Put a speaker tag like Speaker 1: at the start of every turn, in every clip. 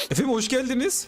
Speaker 1: Efendim hoş geldiniz.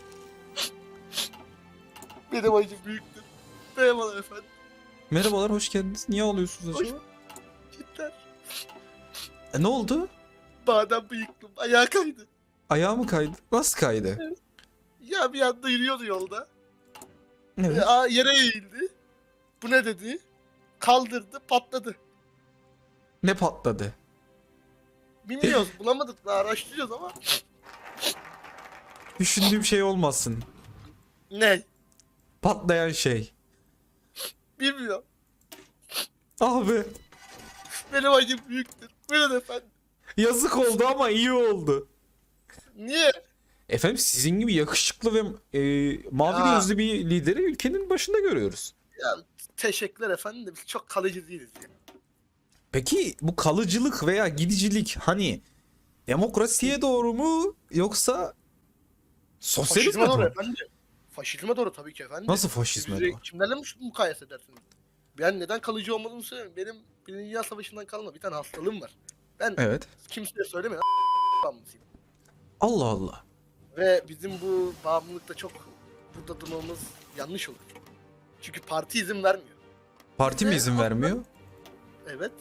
Speaker 2: Benim acım büyüktür. Merhabalar efendim.
Speaker 1: Merhabalar, hoş geldiniz. Niye ağlıyorsunuz
Speaker 2: Hoş
Speaker 1: acaba?
Speaker 2: Cidden.
Speaker 1: Ne oldu?
Speaker 2: Badem bıyıklım. Ayağa kaydı.
Speaker 1: Ayağı mı kaydı? Nasıl kaydı?
Speaker 2: Ya bir anda yürüyordu yolda.
Speaker 1: Evet.
Speaker 2: Yere eğildi. Bu ne dedi? Kaldırdı, patladı.
Speaker 1: Ne patladı?
Speaker 2: Bilmiyoruz, bulamadık daha araştırıyoruz ama.
Speaker 1: Düşündüğüm şey olmasın.
Speaker 2: Ne?
Speaker 1: Patlayan şey.
Speaker 2: Bilmiyorum.
Speaker 1: Abi.
Speaker 2: Benim acım büyüktür. Buyurun efendim.
Speaker 1: Yazık oldu ama iyi oldu.
Speaker 2: Niye?
Speaker 1: Efendim sizin gibi yakışıklı ve mavi
Speaker 2: Ha.
Speaker 1: gözlü bir lideri ülkenin başında görüyoruz.
Speaker 2: Ya teşekkürler efendim de biz çok kalıcı değiliz ya.
Speaker 1: Peki bu kalıcılık veya gidicilik hani demokrasiye doğru mu yoksa sosyalizme
Speaker 2: Faşizme doğru
Speaker 1: doğru?
Speaker 2: efendim. Faşizme doğru tabii ki efendim.
Speaker 1: Nasıl faşizme
Speaker 2: Bizi
Speaker 1: doğru?
Speaker 2: kimlerle mukayese edersiniz? Ben neden kalıcı olmadığımı söyleyeyim. Benim Birinci Dünya Savaşı'ndan kalma bir tane hastalığım var. Ben
Speaker 1: Evet.
Speaker 2: kimseye söylemeyin bağımlısıyım.
Speaker 1: Allah Allah.
Speaker 2: Ve bizim bu bağımlılıkta çok burada durmamız yanlış olur. Çünkü parti izin vermiyor.
Speaker 1: Parti mi izin vermiyor?
Speaker 2: Evet.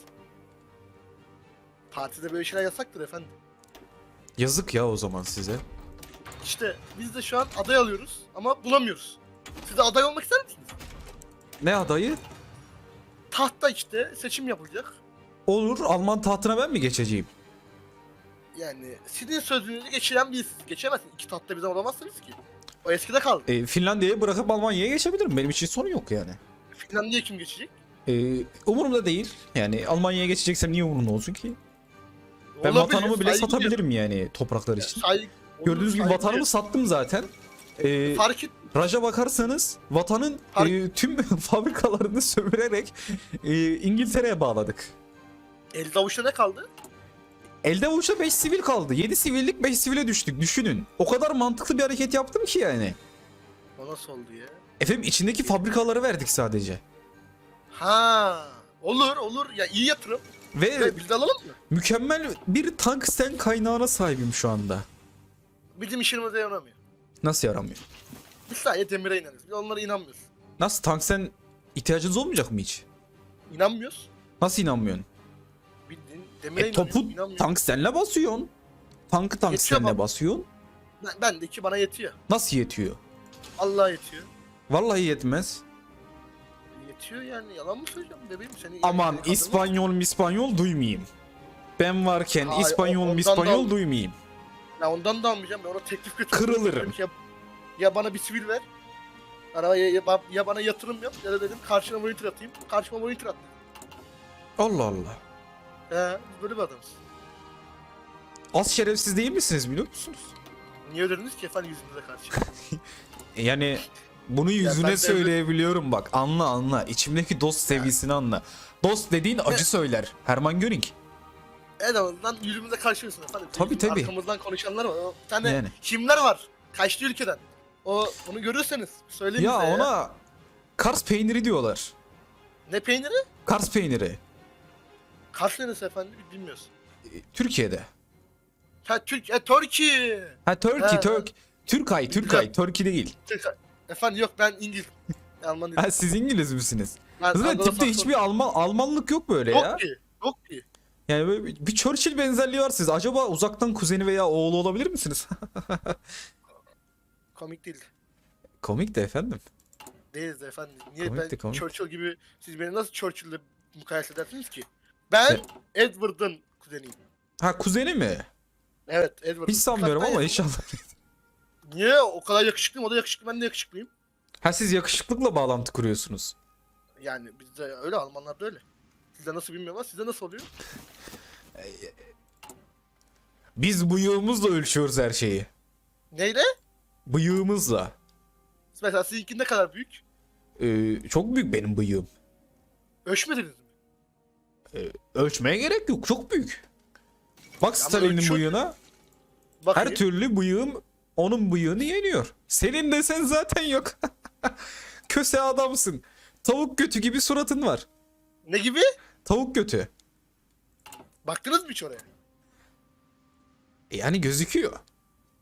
Speaker 2: Partide böyle şeyler yasaktır efendim.
Speaker 1: Yazık ya o zaman size.
Speaker 2: İşte biz de şu an aday alıyoruz ama bulamıyoruz. Siz de aday olmak ister misiniz?
Speaker 1: Ne adayı?
Speaker 2: Tahtta işte seçim yapılacak.
Speaker 1: Olur, Alman tahtına ben mi geçeceğim?
Speaker 2: Yani sizin sözünüzü geçiren birisiniz. Geçemezsiniz. İki tahtta birden olamazsınız ki. O eskide kaldı.
Speaker 1: Finlandiya'yı bırakıp Almanya'ya geçebilirim. Benim için sorun yok yani.
Speaker 2: Finlandiya kim geçecek?
Speaker 1: Umurumda değil. Yani Almanya'ya geçeceksem niye umurumda olsun ki? Ben
Speaker 2: Olabilir,
Speaker 1: vatanımı bile
Speaker 2: saygı
Speaker 1: satabilirim yani topraklar
Speaker 2: duyuyorum.
Speaker 1: için.
Speaker 2: Saygı-
Speaker 1: Gördüğünüz gibi
Speaker 2: saygı
Speaker 1: vatanımı sattım zaten.
Speaker 2: Fark et.
Speaker 1: Raja bakarsanız vatanın tüm fabrikalarını sömürerek İngiltere'ye bağladık.
Speaker 2: Elde avuçta ne kaldı?
Speaker 1: Elde avuçta 5 sivil kaldı. 7 sivillik 5 sivile düştük. Düşünün. O kadar mantıklı bir hareket yaptım ki yani.
Speaker 2: O nasıl oldu ya?
Speaker 1: Efendim içindeki fabrikaları verdik sadece.
Speaker 2: Ha, olur ya iyi yatırım.
Speaker 1: Ve
Speaker 2: Biz de alalım mı?
Speaker 1: mükemmel bir tungsten kaynağına sahibim şu anda.
Speaker 2: Bizim işimize yaramıyor.
Speaker 1: Nasıl yaramıyor?
Speaker 2: Biz sadece demire inanırız. Biz onlara inanmıyoruz.
Speaker 1: Nasıl tungsten ihtiyacınız olmayacak mı hiç?
Speaker 2: İnanmıyoruz.
Speaker 1: Nasıl inanmıyorsun?
Speaker 2: Bildiğin demire
Speaker 1: Topu
Speaker 2: inanmıyoruz.
Speaker 1: tungstenle basıyorsun. Tankı tungstenle
Speaker 2: baba.
Speaker 1: basıyorsun.
Speaker 2: Bendeki bana yetiyor.
Speaker 1: Nasıl yetiyor?
Speaker 2: Allah yetiyor.
Speaker 1: Vallahi yetmez.
Speaker 2: Yetiyor yani yalan mı söyleyeceğim bebeğim seni.
Speaker 1: Aman
Speaker 2: kadın-
Speaker 1: İspanyol duymayayım. Ben varken
Speaker 2: Hayır,
Speaker 1: İspanyol
Speaker 2: ondan
Speaker 1: İspanyol
Speaker 2: da-
Speaker 1: duymayayım.
Speaker 2: Ya ondan da almayacağım ben ona teklif götürüyorum.
Speaker 1: Kırılırım.
Speaker 2: Dedim ki ya bana bir sivil ver. Ya bana yatırım yap ya da dedim karşına monitor atayım. Karşıma monitor at.
Speaker 1: Allah Allah.
Speaker 2: Biz böyle bir adamız.
Speaker 1: Az şerefsiz değil misiniz biliyor musunuz?
Speaker 2: Niye ödediniz ki efendim yüzümüze karşı?
Speaker 1: Yani bunu
Speaker 2: ben
Speaker 1: yüzüne
Speaker 2: de-
Speaker 1: söyleyebiliyorum bak. Anla. İçimdeki dost sevgisini anla. Dost dediğin acı söyler. Hermann Göring.
Speaker 2: En azından yüzümüze karşıymışsın efendim.
Speaker 1: Tabii,
Speaker 2: Bizim
Speaker 1: tabii.
Speaker 2: Arkamızdan konuşanlar var. O bir tane
Speaker 1: Yani.
Speaker 2: kimler var? Kaçtı ülkeden. Onu görürseniz söyleyin
Speaker 1: Ya
Speaker 2: bize ya.
Speaker 1: ona Kars peyniri diyorlar.
Speaker 2: Ne peyniri?
Speaker 1: Kars peyniri.
Speaker 2: Kars neresi efendim bilmiyoruz.
Speaker 1: Türkiye'de.
Speaker 2: Türkiye.
Speaker 1: Ha Turkey,
Speaker 2: Ha.
Speaker 1: Türkay. Turkey değil.
Speaker 2: Efendim yok ben İngiliz. Alman değilim.
Speaker 1: Ha siz İngiliz misiniz?
Speaker 2: Ben
Speaker 1: Zaten
Speaker 2: Anglo-Sakson.
Speaker 1: tipte hiçbir Almanlık yok böyle ya.
Speaker 2: Yok ki. Yok ki.
Speaker 1: Yani böyle bir Churchill benzerliği var siz. Acaba uzaktan kuzeni veya oğlu olabilir misiniz?
Speaker 2: Komik değil.
Speaker 1: Komik de efendim.
Speaker 2: Değiliz efendim. Niye
Speaker 1: Komik de
Speaker 2: ben
Speaker 1: komik.
Speaker 2: Churchill gibi siz beni nasıl Churchill'le mukayese edersiniz ki? Ben Edward'ın kuzeniyim.
Speaker 1: Ha kuzeni mi?
Speaker 2: Evet Edward'ın.
Speaker 1: Hiç sanmıyorum
Speaker 2: Hatta
Speaker 1: ama
Speaker 2: ya-
Speaker 1: inşallah.
Speaker 2: Niye? O kadar yakışıklıyım. O da yakışıklı. Ben de yakışıklıyım.
Speaker 1: Ha siz yakışıklıkla bağlantı kuruyorsunuz.
Speaker 2: Yani bizde öyle. Almanlarda öyle. Sizde nasıl bilmiyorum ama sizde nasıl oluyor?
Speaker 1: Biz bıyığımızla ölçüyoruz her şeyi.
Speaker 2: Neyle?
Speaker 1: Bıyığımızla.
Speaker 2: Mesela sizinki ne kadar büyük?
Speaker 1: Çok büyük benim bıyığım.
Speaker 2: Ölçmediniz mi?
Speaker 1: Ölçmeye gerek yok. Çok büyük. Bak Stalin'in
Speaker 2: ölçüyor-
Speaker 1: bıyığına.
Speaker 2: Bakayım.
Speaker 1: Her türlü bıyığım onun bıyığını yeniyor. Senin desen zaten yok. Köse adamsın. Tavuk götü gibi suratın var.
Speaker 2: Ne gibi?
Speaker 1: Tavuk götü.
Speaker 2: Baktınız mı hiç oraya?
Speaker 1: Yani gözüküyor.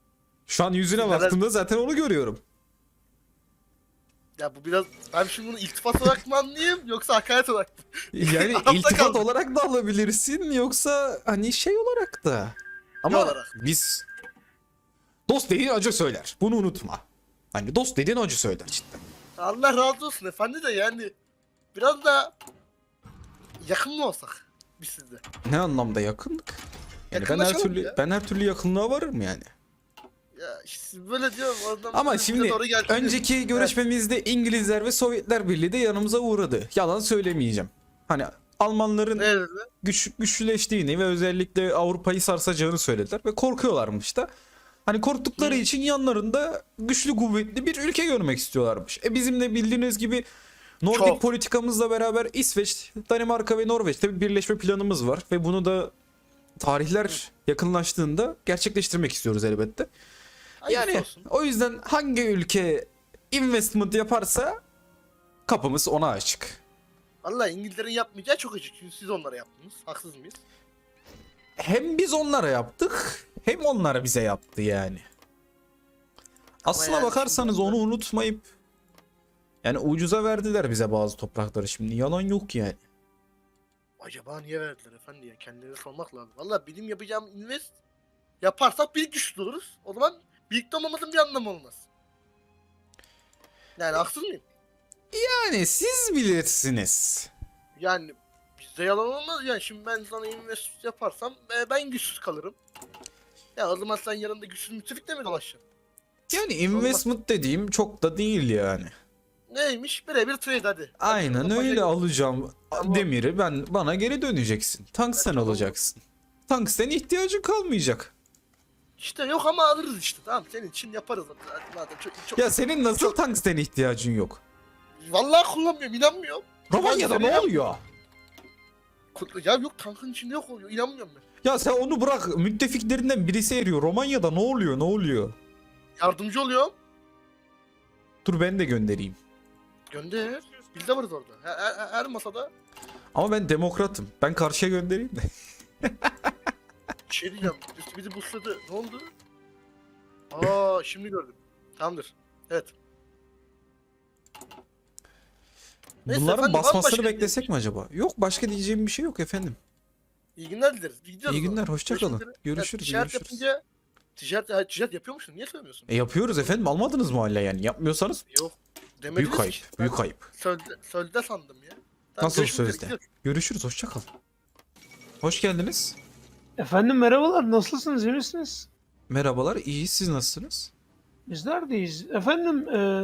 Speaker 1: Şu an yüzüne
Speaker 2: Neler-
Speaker 1: baktığımda zaten onu görüyorum.
Speaker 2: Ya bu biraz, ben şimdi bunu iltifat olarak mı anlayayım yoksa hakaret olarak mı?
Speaker 1: Yani
Speaker 2: Arafta
Speaker 1: iltifat
Speaker 2: kaldım.
Speaker 1: olarak da alabilirsin yoksa hani şey olarak da. Ama
Speaker 2: olarak.
Speaker 1: biz dost dediğin acı söyler. Bunu unutma. Hani dost dediğin acı söyler cidden.
Speaker 2: Allah razı olsun efendi de yani biraz da yakın mı olsak biz sizde?
Speaker 1: Ne anlamda yakınlık? Yani ben her
Speaker 2: Yakınlaşalım
Speaker 1: türlü
Speaker 2: ya.
Speaker 1: ben her türlü yakınlığa varırım yani.
Speaker 2: Ya işte böyle diyorum oradan
Speaker 1: Ama
Speaker 2: böyle bize
Speaker 1: şimdi
Speaker 2: doğru geldi.
Speaker 1: önceki görüşmemizde İngilizler ve Sovyetler Birliği de yanımıza uğradı. Yalan söylemeyeceğim. Hani Almanların
Speaker 2: Evet.
Speaker 1: güçlüleştiğini ve özellikle Avrupa'yı sarsacağını söylediler ve korkuyorlarmış da. Hani korktukları için yanlarında güçlü kuvvetli bir ülke görmek istiyorlarmış. Bizim de bildiğiniz gibi Nordik
Speaker 2: Çok.
Speaker 1: politikamızla beraber İsveç, Danimarka ve Norveç'te bir birleşme planımız var ve bunu da tarihler yakınlaştığında gerçekleştirmek istiyoruz elbette.
Speaker 2: Hayırlısı
Speaker 1: Yani
Speaker 2: olsun.
Speaker 1: o yüzden hangi ülke investment yaparsa kapımız ona açık.
Speaker 2: Vallahi İngilizlerin yapmayacağı çok açık. Çünkü siz onlara yaptınız. Haksız mıyız?
Speaker 1: Hem biz onlara yaptık hem onlar bize yaptı yani. Aslına
Speaker 2: yani
Speaker 1: bakarsanız
Speaker 2: şimdi-
Speaker 1: onu unutmayıp yani ucuza verdiler bize bazı toprakları, şimdi yalan yok yani.
Speaker 2: Acaba niye verdiler efendi ya? Kendilerine sormak lazım. Vallahi benim yapacağım invest yaparsak bir güçlü oluruz. O zaman birlikte olmamızın bir anlamı olmaz. Yani haksız mıyım?
Speaker 1: Yani siz bilirsiniz.
Speaker 2: Yani bizde yalan olmaz yani. Şimdi ben sana invest yaparsam ben güçsüz kalırım. Ya o zaman sen yanında güçsüz müttefikle mi dolaşacaksın?
Speaker 1: Yani investment dediğim çok da değil yani.
Speaker 2: Neymiş? Birebir trade hadi.
Speaker 1: Aynen
Speaker 2: Hadi
Speaker 1: öyle,
Speaker 2: şurada
Speaker 1: alacağım
Speaker 2: Tamam.
Speaker 1: demiri, bana geri döneceksin. Tungsten
Speaker 2: tamam.
Speaker 1: alacaksın. Tungsten ihtiyacın kalmayacak.
Speaker 2: İşte yok ama alırız işte. Tamam senin için yaparız. Hadi madem çok.
Speaker 1: Ya senin nasıl tungsten ihtiyacın yok?
Speaker 2: Vallahi kullanmıyorum, inanmıyorum.
Speaker 1: Romanya'da
Speaker 2: Tungsten
Speaker 1: ne
Speaker 2: yap-
Speaker 1: oluyor?
Speaker 2: Ya yok, tankın içinde yok oluyor. İnanmıyorum ben.
Speaker 1: Ya sen onu bırak, müttefiklerinden birisi eriyor. Romanya'da ne oluyor, ne oluyor?
Speaker 2: Yardımcı oluyorum.
Speaker 1: Dur ben de göndereyim.
Speaker 2: Gönder. Biz de varız orada. Her masada
Speaker 1: Ama ben demokratım. Ben karşıya göndereyim de.
Speaker 2: bir şey diyeceğim. Üstü bizi busladı. Ne oldu? Aa şimdi gördüm. Tamamdır. Evet. Neyse
Speaker 1: Bunların
Speaker 2: efendim, var mı
Speaker 1: basmasını
Speaker 2: başka
Speaker 1: beklesek mi acaba? Yok, başka diyeceğim bir şey yok efendim.
Speaker 2: İyi günler dileriz. Gidiyoruz
Speaker 1: İyi
Speaker 2: o zaman.
Speaker 1: günler, hoşça kalın.
Speaker 2: Görüşmek üzere.
Speaker 1: Görüşürüz,
Speaker 2: Ticaret
Speaker 1: görüşürüz.
Speaker 2: yapınca ticaret yapıyor musun? Niye söylemiyorsun?
Speaker 1: Yapıyoruz efendim, almadınız mı hala yani? Yapmıyorsanız
Speaker 2: Yok. Demediniz
Speaker 1: büyük ayıp,
Speaker 2: ki.
Speaker 1: büyük
Speaker 2: Ben
Speaker 1: ayıp.
Speaker 2: Sözde sandım ya. Tamam,
Speaker 1: Nasıl
Speaker 2: görüşmek üzere,
Speaker 1: sözde?
Speaker 2: gidiyoruz.
Speaker 1: Görüşürüz, hoşça kalın. Hoş geldiniz.
Speaker 3: Efendim merhabalar, nasılsınız, iyi misiniz?
Speaker 1: Merhabalar, iyi, siz nasılsınız?
Speaker 3: Bizler deyiz. Efendim,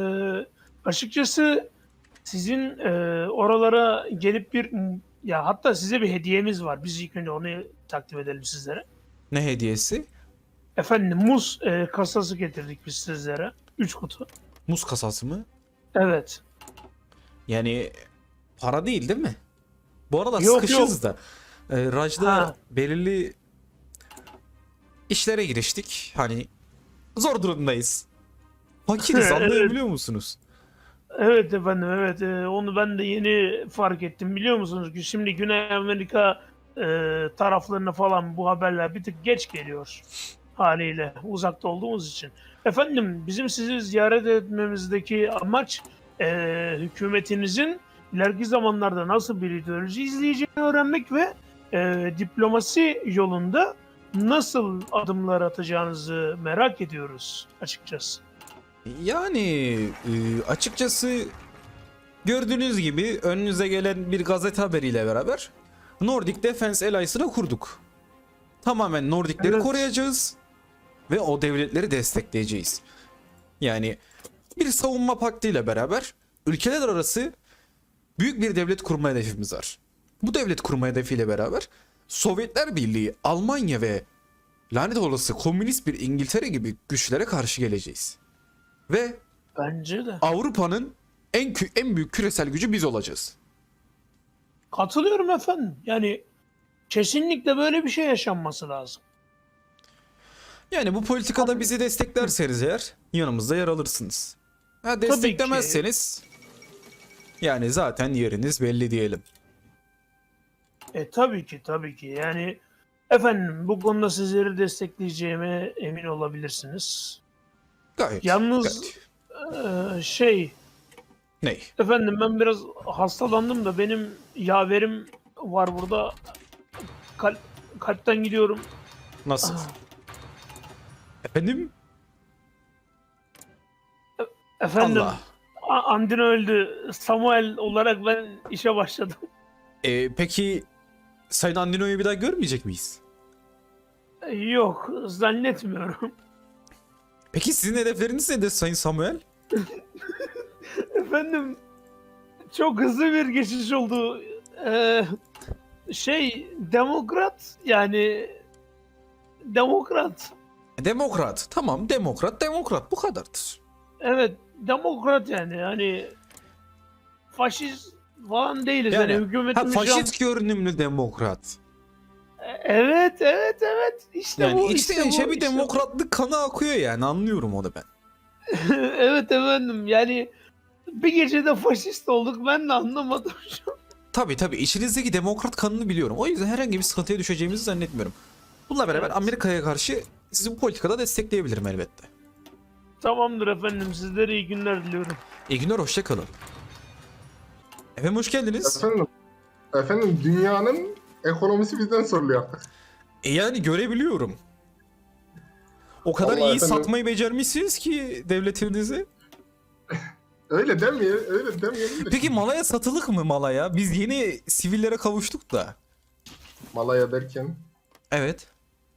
Speaker 3: açıkçası sizin oralara gelip ya hatta size bir hediyemiz var. Biz ilk önce onu takdim edelim sizlere.
Speaker 1: Ne hediyesi?
Speaker 3: Efendim, muz kasası getirdik biz sizlere. 3 kutu.
Speaker 1: Muz kasası mı?
Speaker 3: Evet.
Speaker 1: Yani para değil mi? Bu arada
Speaker 3: Yok,
Speaker 1: sıkışız da. Raj'da
Speaker 3: Ha.
Speaker 1: belirli işlere giriştik. Hani zor durumdayız. Fakiriz, anlayabiliyor musunuz?
Speaker 3: Evet efendim, evet. Onu ben de yeni fark ettim. Biliyor musunuz ki şimdi Güney Amerika taraflarına falan bu haberler bir tık geç geliyor haliyle, uzakta olduğumuz için. Efendim, bizim sizi ziyaret etmemizdeki amaç hükümetinizin ileriki zamanlarda nasıl bir ideoloji izleyeceğini öğrenmek ve diplomasi yolunda nasıl adımlar atacağınızı merak ediyoruz açıkçası.
Speaker 1: Yani açıkçası gördüğünüz gibi önünüze gelen bir gazete haberiyle beraber Nordic Defense Alliance'ını kurduk. Tamamen Nordic'leri
Speaker 3: Evet.
Speaker 1: koruyacağız ve o devletleri destekleyeceğiz. Yani bir savunma paktı ile beraber ülkeler arası büyük bir devlet kurma hedefimiz var. Bu devlet kurma hedefiyle beraber Sovyetler Birliği, Almanya ve lanet olası komünist bir İngiltere gibi güçlere karşı geleceğiz. Ve
Speaker 3: Bence de.
Speaker 1: Avrupa'nın en büyük küresel gücü biz olacağız.
Speaker 3: Katılıyorum efendim. Yani kesinlikle böyle bir şey yaşanması lazım.
Speaker 1: Yani bu politikada bizi desteklerseniz eğer yanımızda yer alırsınız. Ha, desteklemezseniz yani zaten yeriniz belli diyelim.
Speaker 3: Tabii ki, tabii ki. Yani efendim, bu konuda sizleri destekleyeceğime emin olabilirsiniz.
Speaker 1: Gayet.
Speaker 3: Yalnız şey
Speaker 1: Ney?
Speaker 3: efendim, ben biraz hastalandım da benim yaverim var burada. Kalpten gidiyorum.
Speaker 1: Nasıl? Efendim?
Speaker 3: Efendim,
Speaker 1: Allah.
Speaker 3: Andin öldü. Samuel olarak ben işe başladım.
Speaker 1: Peki Sayın Andino'yu bir daha görmeyecek miyiz?
Speaker 3: Yok, zannetmiyorum.
Speaker 1: Peki sizin hedefleriniz nedir Sayın Samuel?
Speaker 3: Efendim, çok hızlı bir geçiş oldu. Demokrat, yani demokrat.
Speaker 1: Demokrat. Tamam, demokrat bu kadardır.
Speaker 3: Evet, demokrat yani. Hani faşist falan değiliz.
Speaker 1: Yani,
Speaker 3: Yani, hükümetimiz şu an-
Speaker 1: faşist görünümlü demokrat.
Speaker 3: Evet. İşte
Speaker 1: Yani
Speaker 3: bu,
Speaker 1: içten
Speaker 3: işte
Speaker 1: içe
Speaker 3: bu,
Speaker 1: bir
Speaker 3: işte bu.
Speaker 1: demokratlık kanı akıyor yani, anlıyorum onu ben.
Speaker 3: Evet efendim, yani bir gecede faşist olduk, ben de anlamadım şu an.
Speaker 1: Tabii içinizdeki demokrat kanını biliyorum. O yüzden herhangi bir sıkıntıya düşeceğimizi zannetmiyorum. Bununla beraber
Speaker 3: Evet.
Speaker 1: Amerika'ya karşı sizi bu politikada destekleyebilirim elbette.
Speaker 3: Tamamdır efendim, sizlere iyi günler diliyorum.
Speaker 1: İyi günler, hoşça kalın. Efendim hoş geldiniz.
Speaker 4: Efendim dünyanın ekonomisi bizden soruluyor artık.
Speaker 1: Yani görebiliyorum. O kadar
Speaker 4: Vallahi
Speaker 1: iyi
Speaker 4: efendim-
Speaker 1: satmayı becermişsiniz ki devletinizi.
Speaker 4: Öyle demeyelim de.
Speaker 1: Peki Malaya satılık mı Malaya? Biz yeni sivillere kavuştuk da.
Speaker 4: Malaya derken.
Speaker 1: Evet.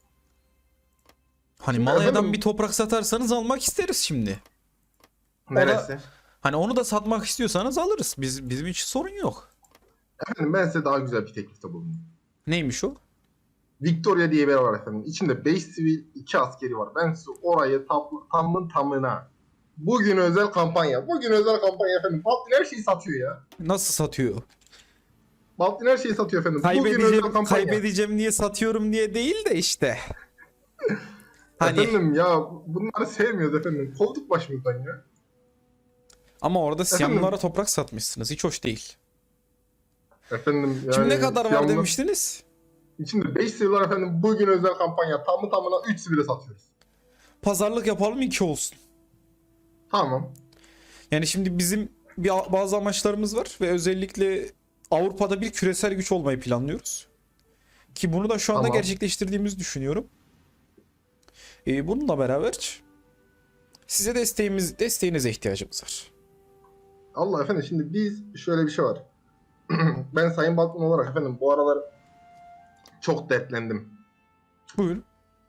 Speaker 1: Hani
Speaker 4: Şimdi
Speaker 1: Malaya'dan
Speaker 4: efendim-
Speaker 1: bir toprak satarsanız almak isteriz şimdi.
Speaker 4: Neresi?
Speaker 1: Hani onu da satmak istiyorsanız alırız. Bizim için sorun yok.
Speaker 4: Efendim ben size daha güzel bir teklifte bulundum.
Speaker 1: Neymiş o?
Speaker 4: Victoria diye bir yer var efendim. İçinde 5 sivil 2 askeri var. Ben size orayı tamın tamına. Bugün özel kampanya efendim. Baltin her şeyi satıyor ya.
Speaker 1: Nasıl satıyor?
Speaker 4: Baltin her şeyi satıyor efendim. Bugün özel kampanya.
Speaker 1: Kaybedeceğim diye satıyorum diye değil de işte. Hani
Speaker 4: Efendim ya bunları sevmiyoruz efendim. Kovduk başımızdan ya.
Speaker 1: ama orada
Speaker 4: Efendim?
Speaker 1: Siyamlılara toprak satmışsınız. Hiç hoş değil.
Speaker 4: Efendim yani.
Speaker 1: Şimdi ne kadar var
Speaker 4: yalnız-
Speaker 1: demiştiniz?
Speaker 4: İçinde 5 sivil var efendim. Bugün özel kampanya. Tamı tamına 3 sivile satıyoruz.
Speaker 1: Pazarlık yapalım, 2 olsun.
Speaker 4: Tamam.
Speaker 1: Yani şimdi bizim bazı amaçlarımız var ve özellikle Avrupa'da bir küresel güç olmayı planlıyoruz. Ki bunu da şu anda
Speaker 4: Tamam.
Speaker 1: gerçekleştirdiğimizi düşünüyorum. Bununla beraber size desteğinize ihtiyacımız var.
Speaker 4: Allah efendim şimdi biz şöyle bir şey var. Ben Sayın Balkman olarak efendim bu aralar çok dertlendim.
Speaker 1: Buyurun.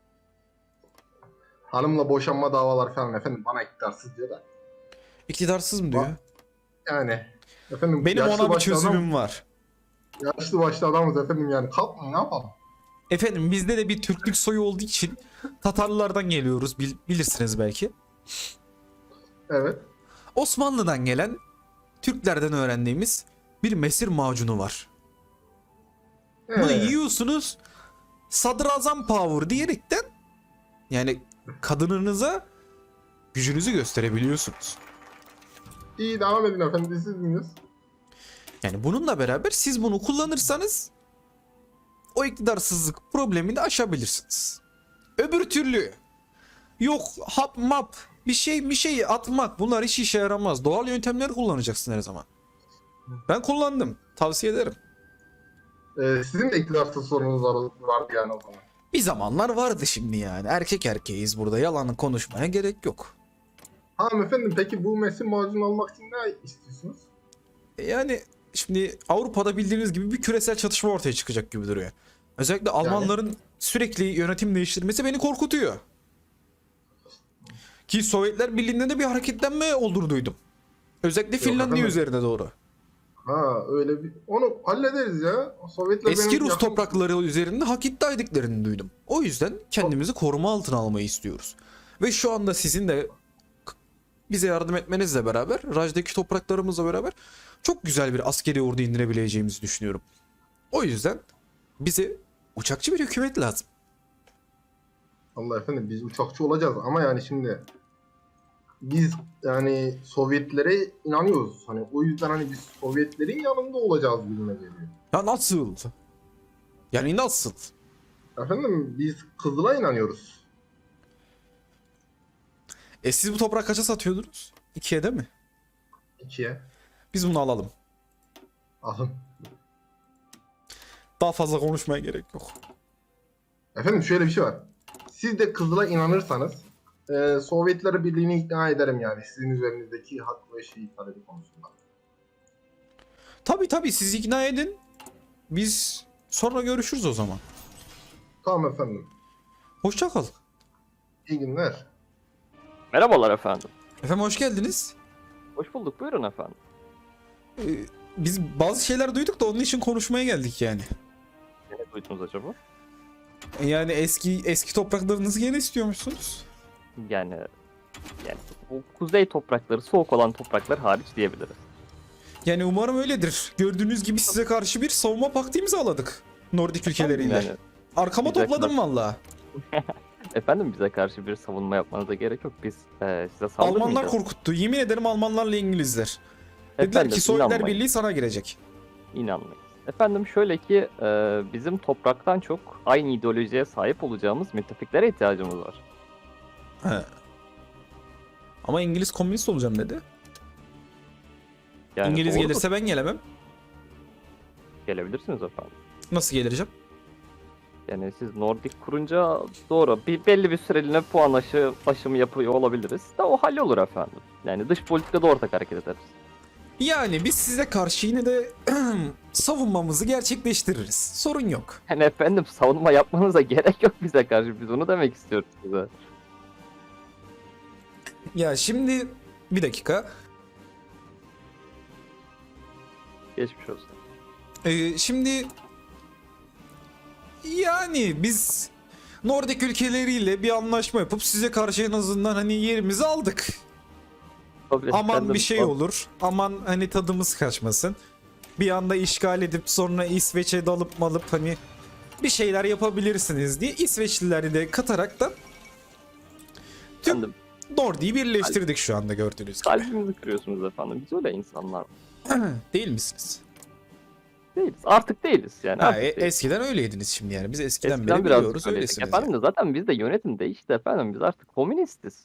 Speaker 4: Hanımla boşanma davalar falan efendim bana iktidarsız diyor da.
Speaker 1: İktidarsız mı diyor?
Speaker 4: Yani efendim
Speaker 1: Benim
Speaker 4: yaşlı
Speaker 1: ona bir
Speaker 4: başlı
Speaker 1: çözümüm var.
Speaker 4: yaşlı başlı adamız efendim yani kalkmayın ne yapalım?
Speaker 1: Efendim bizde de bir Türklük soyu olduğu için Tatarlılardan geliyoruz, bilirsiniz belki.
Speaker 4: Evet.
Speaker 1: Osmanlı'dan gelen Türklerden öğrendiğimiz bir mesir macunu var. Bunu yiyorsunuz, sadrazam power diyerekten yani kadınınıza gücünüzü gösterebiliyorsunuz.
Speaker 4: İyi devam edin efendim biz siz dinliyoruz.
Speaker 1: Yani bununla beraber siz bunu kullanırsanız o iktidarsızlık problemini aşabilirsiniz. Öbür türlü yok hap map bir şey atmak, bunlar hiç işe yaramaz. Doğal yöntemleri kullanacaksın her zaman. Ben kullandım. Tavsiye ederim.
Speaker 4: Sizin de iktidarsız sorununuz vardı yani o zaman.
Speaker 1: Bir zamanlar vardı şimdi yani. Erkek erkeğiz burada. Yalanı konuşmaya gerek yok.
Speaker 4: Tamam efendim peki bu mesin macunu almak için ne istiyorsunuz?
Speaker 1: Yani şimdi Avrupa'da bildiğiniz gibi bir küresel çatışma ortaya çıkacak gibi duruyor. Özellikle Almanların sürekli yönetim değiştirmesi beni korkutuyor. Ki Sovyetler Birliği'nde de bir hareketlenme olduğunu duydum. Özellikle Finlandiya
Speaker 4: efendim.
Speaker 1: üzerine doğru.
Speaker 4: Ha öyle bir onu hallederiz ya. Sovyetler
Speaker 1: Eski
Speaker 4: benim
Speaker 1: Rus
Speaker 4: yakın-
Speaker 1: toprakları üzerinde hak iddia ettiklerini duydum. O yüzden kendimizi koruma altına almayı istiyoruz. Ve şu anda sizin de bize yardım etmenizle beraber, Raj'daki topraklarımızla beraber çok güzel bir askeri ordu indirebileceğimizi düşünüyorum. O yüzden bize uçakçı bir hükümet lazım.
Speaker 4: Allah efendim biz uçakçı olacağız ama yani şimdi biz yani Sovyetlere inanıyoruz. Hani o yüzden hani biz Sovyetlerin yanında olacağız gibime geliyor.
Speaker 1: Ya nasıl? Yani nasıl?
Speaker 4: Efendim biz Kızıl'a inanıyoruz.
Speaker 1: Siz bu toprak kaça satıyordunuz? 2'ye değil mi?
Speaker 4: 2'ye.
Speaker 1: Biz bunu alalım.
Speaker 4: Alın.
Speaker 1: Daha fazla konuşmaya gerek yok.
Speaker 4: Efendim şöyle bir şey var. Siz de Kızıl'a inanırsanız Sovyetler Birliği'ni ikna ederim yani sizin üzerinizdeki hak ve şehit talebi konusunda.
Speaker 1: Tabii siz ikna edin. Biz sonra görüşürüz o zaman.
Speaker 4: Tamam efendim.
Speaker 1: Hoşça kal.
Speaker 4: İyi günler.
Speaker 5: Merhabalar efendim.
Speaker 1: Efendim hoş geldiniz.
Speaker 5: Hoş bulduk. Buyurun efendim.
Speaker 1: Ee, Biz bazı şeyler duyduk da onun için konuşmaya geldik yani.
Speaker 5: Ne duydunuz acaba?
Speaker 1: Yani eski topraklarınızı gene istiyormuşsunuz.
Speaker 5: Yani bu kuzey toprakları, soğuk olan topraklar hariç diyebiliriz.
Speaker 1: Yani umarım öyledir. Gördüğünüz gibi size karşı bir savunma paktı imzaladık. Nordik ülkeleriyle.
Speaker 5: Yani,
Speaker 1: Arkama
Speaker 5: bize
Speaker 1: topladım valla.
Speaker 5: efendim bize karşı bir savunma yapmanıza gerek yok. Biz size
Speaker 1: Almanlar
Speaker 5: saldırmayacağız.
Speaker 1: korkuttu. Yemin ederim Almanlarla İngilizler. Dediler
Speaker 5: Efendim,
Speaker 1: ki Sovyetler
Speaker 5: inanmayın.
Speaker 1: Birliği sana girecek.
Speaker 5: İnanmayın. Efendim şöyle ki bizim topraktan çok aynı ideolojiye sahip olacağımız müttefiklere ihtiyacımız var.
Speaker 1: He. Ama İngiliz komünist olacağım dedi.
Speaker 5: Yani
Speaker 1: İngiliz
Speaker 5: doğrudur.
Speaker 1: gelirse ben gelemem.
Speaker 5: Gelebilirsiniz efendim.
Speaker 1: Nasıl geleceğim?
Speaker 5: Yani siz Nordik kurunca doğru belli bir süreliğine puan aşımı yapıyor olabiliriz. Da o hallolur efendim. Yani dış politikada ortak hareket ederiz.
Speaker 1: Yani biz size karşı yine de savunmamızı gerçekleştiririz. Sorun yok.
Speaker 5: Yani efendim savunma yapmanıza gerek yok bize karşı. Biz onu demek istiyoruz size.
Speaker 1: Ya şimdi bir dakika.
Speaker 5: Geçmiş olsun.
Speaker 1: Şimdi yani biz Nordik ülkeleriyle bir anlaşma yapıp size karşı en azından hani yerimizi aldık.
Speaker 5: Tabii
Speaker 1: Aman
Speaker 5: efendim,
Speaker 1: bir şey olur. Aman hani tadımız kaçmasın. Bir anda işgal edip sonra İsveç'e dalıp malıp hani bir şeyler yapabilirsiniz diye İsveçlileri de kataraktan tüm
Speaker 5: Efendim,
Speaker 1: Nordik'i birleştirdik şu anda gördüğünüz gibi.
Speaker 5: kalbimizi kırıyorsunuz efendim. Biz öyle insanlar
Speaker 1: Değil misiniz?
Speaker 5: değiliz. Artık değiliz yani.
Speaker 1: Ha,
Speaker 5: Artık değiliz.
Speaker 1: eskiden öyleydiniz şimdi yani. Biz eskiden
Speaker 5: Eskiden
Speaker 1: beri
Speaker 5: biraz
Speaker 1: biliyoruz
Speaker 5: öyleydik.
Speaker 1: öylesiniz.
Speaker 5: Efendim
Speaker 1: yani.
Speaker 5: de zaten bizde yönetim değişti efendim. Biz artık komünistiz.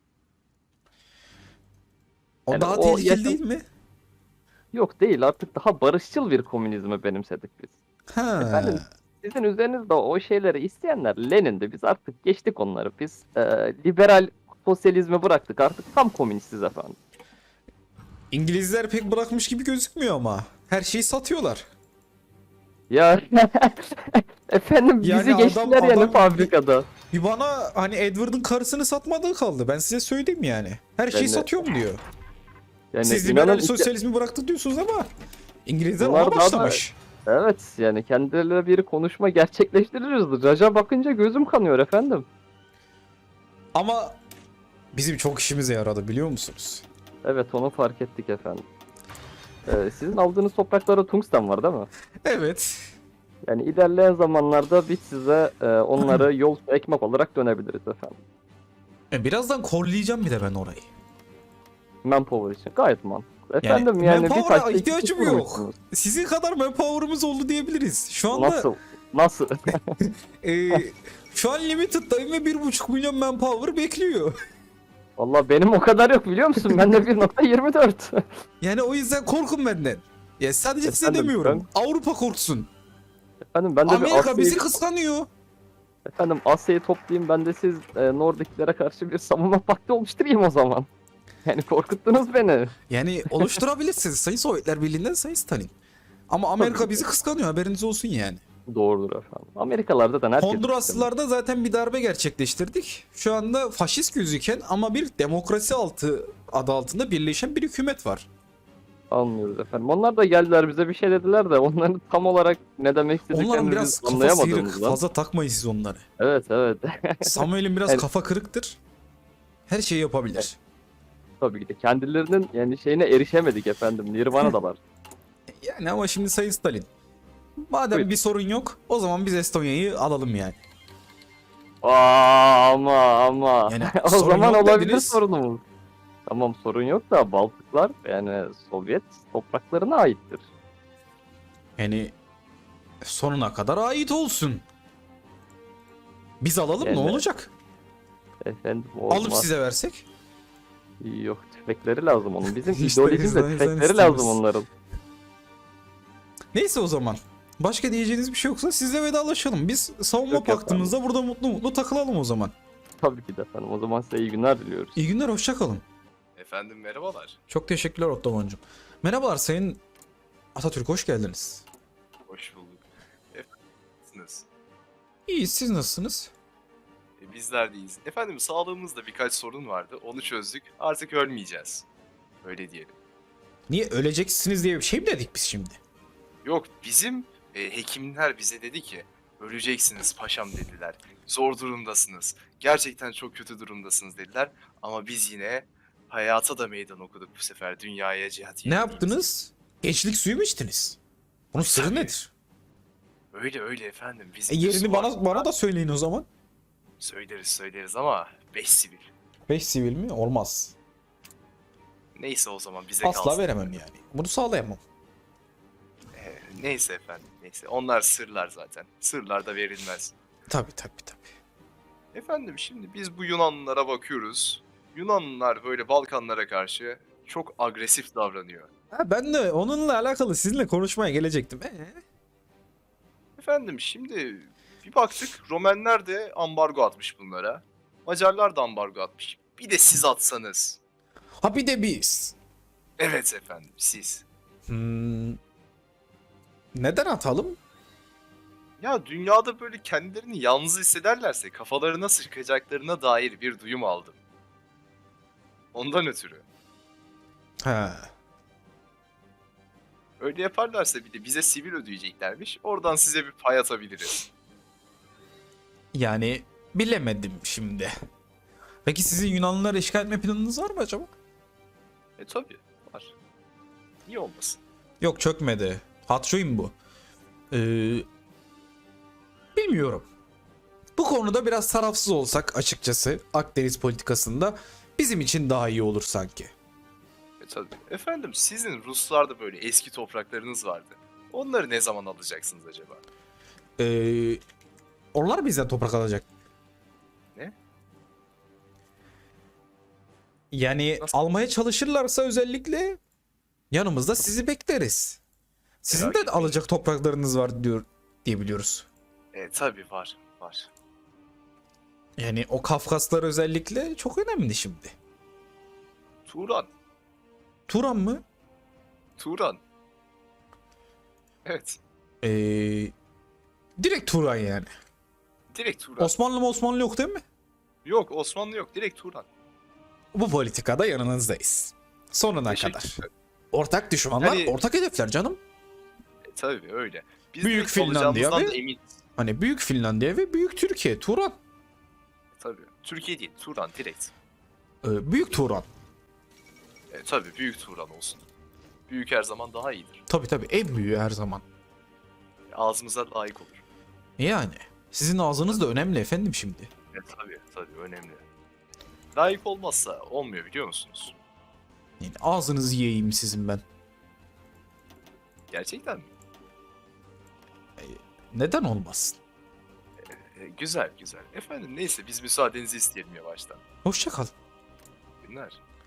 Speaker 1: O
Speaker 5: yani
Speaker 1: daha
Speaker 5: o
Speaker 1: tehlikeli
Speaker 5: yaşam-
Speaker 1: değil mi?
Speaker 5: Yok değil, artık daha barışçıl bir komünizmi benimsedik biz.
Speaker 1: Ha.
Speaker 5: Efendim, sizin üzerinizde o şeyleri isteyenler Lenin'di. Biz artık geçtik onları. Biz liberal sosyalizmi bıraktık. Artık tam komünistiz efendim.
Speaker 1: İngilizler pek bırakmış gibi gözükmüyor ama. Her şeyi satıyorlar.
Speaker 5: Ya efendim bizi
Speaker 1: Yani
Speaker 5: geçtiler yani
Speaker 1: adam-
Speaker 5: fabrikada.
Speaker 1: Bir bana hani Edward'ın karısını satmadığı kaldı. Ben size söyleyeyim yani. Her şeyi
Speaker 5: Ben de-
Speaker 1: satıyorum diyor.
Speaker 5: Yani
Speaker 1: Siz
Speaker 5: inanın
Speaker 1: liberal
Speaker 5: işte-
Speaker 1: sosyalizmi bıraktık diyorsunuz ama İngilizler
Speaker 5: Bunlar
Speaker 1: ona
Speaker 5: daha da-
Speaker 1: başlamış.
Speaker 5: Evet yani kendileriyle bir konuşma gerçekleştiririz. Raja bakınca gözüm kanıyor efendim.
Speaker 1: Ama bizim çok işimize yaradı biliyor musunuz?
Speaker 5: Evet onu fark ettik efendim. Sizin aldığınız topraklarda tungsten var değil mi?
Speaker 1: Evet.
Speaker 5: Yani ilerleyen zamanlarda biz size onları yol ve ekmek olarak dönebiliriz efendim.
Speaker 1: Birazdan korlayacağım bir de ben orayı.
Speaker 5: Manpower için gayet mantıklı. Efendim yani, bir
Speaker 1: manpower'a
Speaker 5: taşla iki
Speaker 1: ihtiyacım
Speaker 5: kuş
Speaker 1: yok.
Speaker 5: vurmuşsunuz.
Speaker 1: Sizin kadar manpower'ımız oldu diyebiliriz. Şu anda
Speaker 5: Nasıl? Nasıl?
Speaker 1: şu an limited'dayım ve 1,5 milyon manpower bekliyor.
Speaker 5: Valla benim o kadar yok biliyor musun? Bende 1.24.
Speaker 1: Yani o yüzden korkun benden. Ya sadece size
Speaker 5: Efendim,
Speaker 1: demiyorum. Avrupa korksun.
Speaker 5: Efendim ben de bir
Speaker 1: Amerika bizi
Speaker 5: Asya'yı,
Speaker 1: kıskanıyor.
Speaker 5: efendim Asya'yı toplayayım, ben de siz Nordiklere karşı bir savunma paktı oluşturayım o zaman. Yani korkuttunuz beni.
Speaker 1: Yani oluşturabilirsiniz Sayın Sovyetler Birliği'nden Sayın Stalin. Ama Amerika
Speaker 5: Tabii.
Speaker 1: bizi kıskanıyor haberiniz olsun yani.
Speaker 5: Doğrudur efendim. Amerikalarda da herkes...
Speaker 1: Honduraslılarda zaten bir darbe gerçekleştirdik. Şu anda faşist gözüken ama bir demokrasi adı altında birleşen bir hükümet var.
Speaker 5: Anlıyoruz efendim. Onlar da geldiler bize bir şey dediler de onların tam olarak ne demek
Speaker 1: Onların
Speaker 5: istediklerini
Speaker 1: biraz
Speaker 5: biz
Speaker 1: kafa sıyrık.
Speaker 5: anlayamadığımızdan.
Speaker 1: Fazla takmayın siz onları.
Speaker 5: Evet evet.
Speaker 1: Samuel'in biraz
Speaker 5: Evet.
Speaker 1: kafa kırıktır. Her şeyi yapabilir.
Speaker 5: Tabii ki de kendilerinin yani şeyine erişemedik efendim. Nirvana'dalar.
Speaker 1: Yani ama şimdi Sayın Stalin. Madem
Speaker 5: Buyurun.
Speaker 1: bir sorun yok o zaman biz Estonya'yı alalım yani.
Speaker 5: ama.
Speaker 1: Yani
Speaker 5: O
Speaker 1: sorun
Speaker 5: zaman
Speaker 1: yok
Speaker 5: olabilir
Speaker 1: dediniz.
Speaker 5: sorunumuz. Tamam sorun yok da Baltıklar yani Sovyet topraklarına aittir.
Speaker 1: Yani sonuna kadar ait olsun. Biz alalım
Speaker 5: Yani-
Speaker 1: ne olacak?
Speaker 5: Efendim olmaz.
Speaker 1: Alıp size versek.
Speaker 5: Yok, tüfekleri lazım onun. Bizim
Speaker 1: İşte
Speaker 5: ideolojimiz de
Speaker 1: bizden
Speaker 5: tüfekleri
Speaker 1: istiyoruz.
Speaker 5: lazım onların.
Speaker 1: Neyse o zaman. Başka diyeceğiniz bir şey yoksa sizle vedalaşalım. Biz savunma
Speaker 5: Yok efendim.
Speaker 1: paktımızda burada mutlu mutlu takılalım o zaman.
Speaker 5: Tabii ki de efendim. O zaman size iyi günler diliyoruz.
Speaker 1: İyi günler, hoşça kalın.
Speaker 6: Efendim merhabalar.
Speaker 1: Çok teşekkürler Ottoman'cığım. Merhabalar Sayın Atatürk, hoş geldiniz.
Speaker 6: Hoş bulduk. Efendimsiniz.
Speaker 1: İyiyiz, siz nasılsınız?
Speaker 6: Bizler deyiz. Efendim sağlığımızda birkaç sorun vardı. Onu çözdük. Artık ölmeyeceğiz. Öyle diyelim.
Speaker 1: Niye öleceksiniz diye bir şey mi dedik biz şimdi?
Speaker 6: Yok bizim hekimler bize dedi ki öleceksiniz paşam dediler. Zor durumdasınız. Gerçekten çok kötü durumdasınız dediler. Ama biz yine hayata da meydan okuduk bu sefer. Dünyaya cihat
Speaker 1: Ne
Speaker 6: yenildiğimiz.
Speaker 1: yaptınız? Gençlik suyu mu içtiniz? Bunun sırrı
Speaker 6: Tabii.
Speaker 1: nedir?
Speaker 6: Öyle öyle efendim. Bizim
Speaker 1: Yerini
Speaker 6: Müslüman-
Speaker 1: bana da söyleyin o zaman.
Speaker 6: söyleriz ama 5 sivil.
Speaker 1: 5 sivil mi? Olmaz.
Speaker 6: Neyse o zaman bize
Speaker 1: Asla
Speaker 6: kalsın.
Speaker 1: veremem yani. Bunu sağlayamam.
Speaker 6: Neyse efendim, neyse. Onlar sırlar zaten. Sırlar da verilmez.
Speaker 1: Tabii tabii tabii.
Speaker 6: Efendim şimdi biz bu Yunanlılara bakıyoruz. Yunanlılar böyle Balkanlara karşı çok agresif davranıyor.
Speaker 1: Ha, ben de onunla alakalı sizinle konuşmaya gelecektim.
Speaker 6: Efendim şimdi bir baktık Romenler de ambargo atmış bunlara. Macarlar da ambargo atmış. Bir de siz atsanız.
Speaker 1: Ha bir de biz.
Speaker 6: Evet efendim siz.
Speaker 1: Neden atalım?
Speaker 6: Ya dünyada böyle kendilerini yalnız hissederlerse kafalarına sıkacaklarına dair bir duyum aldım. Ondan ötürü.
Speaker 1: Ha.
Speaker 6: Öyle yaparlarsa bir de bize sivil ödeyeceklermiş. Oradan size bir pay atabiliriz.
Speaker 1: Yani bilemedim şimdi. Peki sizin Yunanlıları işgal etme planınız var mı acaba?
Speaker 6: Tabii var. Niye olmasın?
Speaker 1: Yok, çökmedi. Hatçoyum bu. Bilmiyorum. Bu konuda biraz tarafsız olsak açıkçası Akdeniz politikasında bizim için daha iyi olur sanki.
Speaker 6: Tabii. Efendim sizin Ruslarda böyle eski topraklarınız vardı. Onları ne zaman alacaksınız acaba?
Speaker 1: Onlar bizden toprak alacak.
Speaker 6: Ne?
Speaker 1: Yani
Speaker 6: Nasıl?
Speaker 1: almaya çalışırlarsa özellikle yanımızda sizi bekleriz. Sizin
Speaker 6: Merak
Speaker 1: de
Speaker 6: etmeyin.
Speaker 1: alacak topraklarınız var diye biliyoruz.
Speaker 6: Tabii var. Var.
Speaker 1: Yani o Kafkaslar özellikle çok önemli şimdi.
Speaker 6: Turan.
Speaker 1: Turan mı?
Speaker 6: Turan. Evet.
Speaker 1: Ee, direkt Turan yani.
Speaker 6: Direkt Turan.
Speaker 1: Osmanlı yok değil mi?
Speaker 6: Yok Osmanlı yok. Direkt Turan.
Speaker 1: Bu politikada yanınızdayız. Sonuna
Speaker 6: Teşekkür
Speaker 1: kadar.
Speaker 6: ederim.
Speaker 1: Ortak düşmanlar,
Speaker 6: Yani-
Speaker 1: ortak hedefler canım.
Speaker 6: Tabii öyle. Biz
Speaker 1: Büyük
Speaker 6: direkt
Speaker 1: Finlandiya
Speaker 6: olacağımızdan
Speaker 1: ve-
Speaker 6: da eminiz.
Speaker 1: Hani Büyük Finlandiya ve Büyük Türkiye. Turan.
Speaker 6: Tabii. Türkiye değil. Turan direkt.
Speaker 1: Büyük Turan.
Speaker 6: Tabii büyük Turan olsun. Büyük her zaman daha iyidir.
Speaker 1: Tabii en büyüğü her zaman.
Speaker 6: Ağzımıza layık olur.
Speaker 1: Yani sizin ağzınız da önemli efendim şimdi.
Speaker 6: Tabii önemli. Layık olmazsa olmuyor biliyor musunuz?
Speaker 1: Yani ağzınızı yiyeyim sizin ben.
Speaker 6: Gerçekten mi?
Speaker 1: Neden olmasın?
Speaker 6: Güzel güzel. Efendim neyse biz müsaadenizi isteyelim yavaştan.
Speaker 1: Hoşça kal.
Speaker 6: Günler.